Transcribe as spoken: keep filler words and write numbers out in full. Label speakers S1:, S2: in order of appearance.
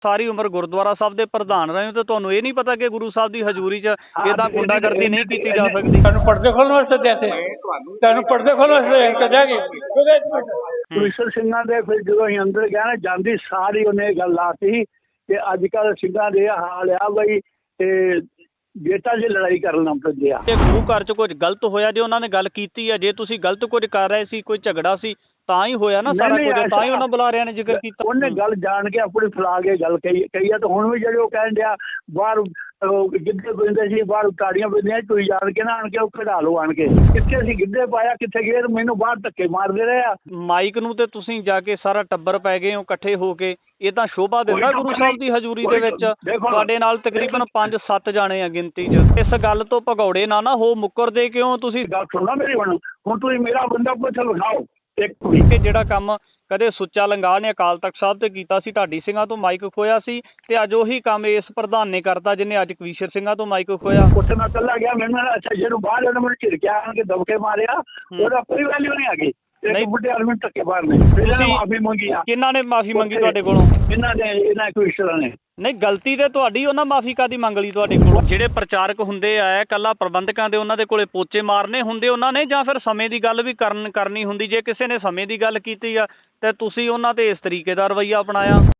S1: ਸਾਰੀ ਉਮਰ ਗੁਰਦੁਆਰਾ ਸਾਹਿਬ ਦੇ ਪ੍ਰਧਾਨ ਰਹੇ ਹੋ ਤੇ ਤੁਹਾਨੂੰ ਇਹ ਨਹੀਂ ਪਤਾ ਕਿ ਗੁਰੂ ਸਾਹਿਬ ਦੀ ਹਜ਼ੂਰੀ 'ਚ ਇਹਦਾ ਗੁੰਡਾਗਰਦੀ ਨਹੀਂ ਕੀਤੀ ਜਾ ਸਕਦੀ?
S2: ਤੁਹਾਨੂੰ ਪਰਦੇ ਖੋਲ੍ਹਣ ਵਾਸਤੇ ਦਿੱਤੇ, ਤੁਹਾਨੂੰ ਪਰਦੇ ਖੋਲ੍ਹਣ ਵਾਸਤੇ ਕੱਢਿਆ ਗਿਆ।
S3: ਕਵੀਸ਼ਰ ਸਿੰਘਾਂ ਦੇ ਫਿਰ ਜਦੋਂ ਅਸੀਂ ਅੰਦਰ ਗਏ ਨਾ, ਜਾਂਦੀ ਸਾਰੀ ਉਹਨੇ ਇਹ ਗੱਲ ਲਾਤੀ ਕਿ ਅੱਜ ਕੱਲ੍ਹ ਸਿੰਘਾਂ ਦੇ ਇਹ ਹਾਲ ਆ ਬਈ ਤੇ ਬੇਟਾ ਜੇ ਲੜਾਈ ਕਰਨ ਲੱਗ ਪੈਂਦੇ ਆ।
S1: ਜੇ ਗੁਰੂ ਘਰ 'ਚ ਕੁਝ ਗਲਤ ਹੋਇਆ, ਜੇ ਉਹਨਾਂ ਨੇ ਗੱਲ ਕੀਤੀ ਹੈ, ਜੇ ਤੁਸੀਂ ਗਲਤ ਕੁਝ ਕਰ ਰਹੇ ਸੀ, ਕੋਈ ਝਗੜਾ ਸੀ ਤਾਂ ਹੀ ਹੋਇਆ ਨਾ ਸਾਰਾ ਕੁਝ, ਤਾਂ ਹੀ ਉਹਨਾਂ ਬੁਲਾਰਿਆਂ ਨੇ ਜ਼ਿਕਰ ਕੀਤਾ।
S3: ਉਹਨੇ ਗੱਲ ਜਾਣ ਕੇ ਆਪਣੀ ਫੈਲਾ ਕੇ ਗੱਲ ਕਹੀ ਕਹੀ ਆ, ਤੇ ਹੁਣ ਵੀ ਜਿਹੜੇ ਉਹ ਕਹਿਣ ਡਿਆ ਬਾਹਰ ਗਿੱਧੇ ਪੈਂਦੇ ਸੀ, ਬਾਹਰ ਤਾੜੀਆਂ ਪੈਂਦੀਆਂ, ਤੁਸੀਂ ਜਾਣ ਕੇ ਨਾ ਆਣ ਕੇ ਉਹ ਕਢਾ ਲਓ ਆਣ ਕੇ। ਕਿੱਥੇ ਅਸੀਂ ਗਿੱਧੇ ਪਾਇਆ, ਕਿੱਥੇ ਗਏ, ਮੈਨੂੰ ਬਾਹਰ ਧੱਕੇ ਮਾਰਦੇ ਰਹੇ ਆ।
S1: ਮਾਈਕ ਨੂੰ ਤੇ ਤੁਸੀਂ ਜਾ ਕੇ ਸਾਰਾ ਟੱਬਰ ਪੈ ਗਏ ਹੋ ਇਕੱਠੇ ਹੋ ਕੇ, ਇਹ ਤਾਂ ਸ਼ੋਭਾ ਦਿੰਦਾ ਗੁਰੂ ਸਾਹਿਬ ਦੀ ਹਜ਼ੂਰੀ ਦੇ ਵਿੱਚ। ਤੁਹਾਡੇ ਨਾਲ ਤਕਰੀਬਨ ਪੰਜ ਸੱਤ ਜਾਣੇ ਆ ਗਿਣਤੀ 'ਚ। ਇਸ ਗੱਲ ਤੋਂ ਭਗੌੜੇ ਨਾ ਨਾ ਹੋ, ਮੁੱਕਰਦੇ ਕਿਉਂ ਤੁਸੀਂ? ਗੱਲ
S3: ਸੁਣਨਾ ਮੇਰੀ, ਹੁਣ ਹੁਣ ਤੁਸੀਂ ਮੇਰਾ ਬੰਦਾ ਪੁੱਛ ਵਿਖਾਓ ਇੱਕ ਵੀ।
S1: ਜਿਹੜਾ ਕੰਮ ਕਦੇ ਸੁੱਚਾ ਲੰਗਾਹ ਨੇ ਅਕਾਲ ਤਖਤ ਸਾਹਿਬ ਤੇ ਕੀਤਾ ਸੀ, ਢਾਡੀ ਸਿੰਘਾਂ ਤੋਂ ਮਾਈਕ ਖੋਇਆ ਸੀ, ਤੇ ਅੱਜ ਉਹੀ ਕੰਮ ਇਸ ਪ੍ਰਧਾਨ ਨੇ ਕਰਤਾ ਜਿਹਨੇ ਅੱਜ ਕਵੀਸ਼ਰ ਸਿੰਘਾਂ ਤੋਂ ਮਾਈਕ ਖੋਇਆ।
S3: ਉੱਥੇ ਮੈਂ ਇਕੱਲਾ ਗਿਆ, ਮੈਨੂੰ ਅੱਛਾ ਜਿਹਨੂੰ ਬਾਹਰ ਉਹਨੇ ਮੈਨੂੰ ਝਿੜਕਿਆ ਆਣ ਕੇ ਦਬਕੇ ਮਾਰਿਆ, ਉਹਦਾ ਕੋਈ ਵੈਲਿਊ ਨਹੀਂ ਹੈਗੀ। ਨਹੀਂ ਬੁੱਢੇ ਆਦਮੀ ਧੱਕੇ ਮਾਰਨੇ, ਮਾਫੀ ਮੰਗੀ ਆ। ਕਿਹਨਾਂ ਨੇ ਮਾਫੀ ਮੰਗੀ ਤੁਹਾਡੇ ਕੋਲੋਂ? ਇਹਨਾਂ ਨੇ, ਇਹਨਾਂ ਕਵੀਸ਼ਰਾਂ ਨੇ। ਨਹੀਂ, ਗਲਤੀ ਤੇ ਤੁਹਾਡੀ, ਉਹਨਾਂ ਮਾਫੀ ਕਾਦੀ ਮੰਗ ਲਈ ਤੁਹਾਡੇ ਕੋਲੋਂ? ਜਿਹੜੇ ਪ੍ਰਚਾਰਕ ਹੁੰਦੇ ਆ, ਕੱਲਾ ਪ੍ਰਬੰਧਕਾਂ ਦੇ ਉਹਨਾਂ ਦੇ ਕੋਲੇ ਪੋਚੇ ਮਾਰਨੇ ਹੁੰਦੇ ਉਹਨਾਂ ਨੇ, ਜਾਂ ਫਿਰ ਸਮੇਂ ਦੀ ਗੱਲ ਵੀ ਕਰਨ ਕਰਨੀ ਹੁੰਦੀ? ਜੇ ਕਿਸੇ ਨੇ ਸਮੇਂ ਦੀ ਗੱਲ ਕੀਤੀ ਆ ਤੇ ਤੁਸੀਂ ਉਹਨਾਂ ਤੇ ਇਸ ਤਰੀਕੇ ਦਾ ਰਵੱਈਆ ਅਪਣਾਇਆ।